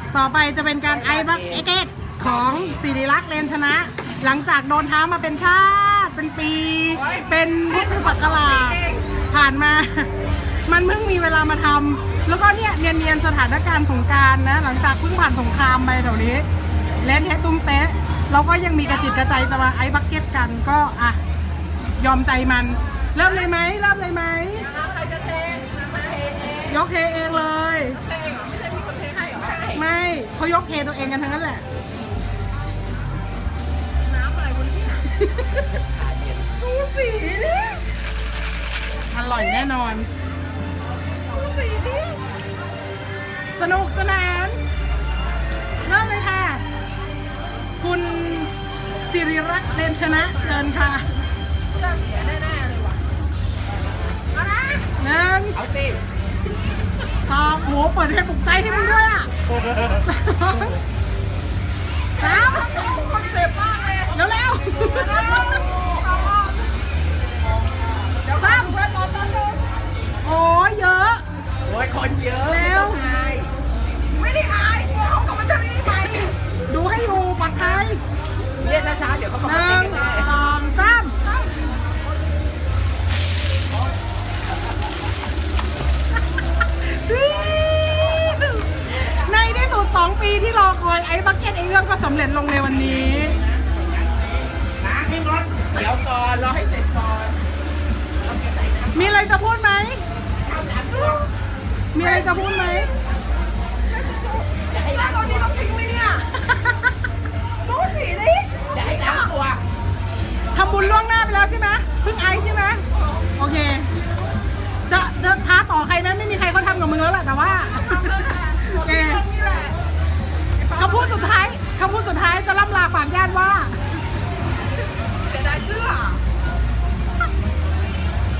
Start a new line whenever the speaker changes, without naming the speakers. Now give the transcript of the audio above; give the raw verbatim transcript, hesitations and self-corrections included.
ต่อไปจะเป็นการไอบักเอเกตของศิริลักษณ์เลนชนะ หลังจากโดนท้ามาเป็นชาติเป็นปี เป็นพุทธศักราชผ่านมา มันเพิ่งมีเวลามาทำแล้วก็เนี่ยเนียนๆสถานการณ์สงกรานต์นะ หลังจากเพิ่งผ่านสงครามไปแถวนี้เล่นแฮตุ้มเป๊ะเราก็ยังมีกระจิตกระใจจะมาไอบักเก็ตกันก็อ่ะยอมใจมันเริ่มเลยไหมเริ่มเลยไหมใครจะเทยกเทเองเลยไม่เขายกเทตัวเองกันทั้งนั้นแหละน้ำอะไรบนที่ดูสีนี่อร่อยแน่นอนดูสีนี่สนุกสนานเริ่มเลยค่ะคุณศิริรักษ์เลนชนะเชิญค่ะเริ่มเสียแน่ๆเลยว่ะเอานะหนึ่งเอาสิสองโหเปิดให้ปลุกใจให้มึงด้วยอ่ะสามคอนเซ็ปต์มากเลยเร็วเร็วสามโอ้ยเยอะโอ้ยคนเยอะเร็วไม่ได้อายกลัวเขากลับมาทำยังไงดูให้อยู่ปลอดภัยเรียกช้าๆเดี๋ยวเขากลับมาหนึ่งสองสามในที่สุดสองปีที่รอคอยไอ้บักเก็ตไอ้เรื่องก็สำเร็จลงในวันนี้นะพี่รถเดี๋ยวก่อนรอให้เสร็จก่อนมีอะไรจะพูดไหมมีอะไรจะพูดไหมแล้วตอนนี้ต้องทิ้งไหมเนี่ยรู้สิดิอย่าให้น้ำตัวทำบุญล่วงหน้าไปแล้วใช่ไหมเพิ่งไอใช่ไหมโอเคจะจะท้าต่อใครไหมไม่มีใครเขาทำกับมึงแล้วแหละแต่ว่า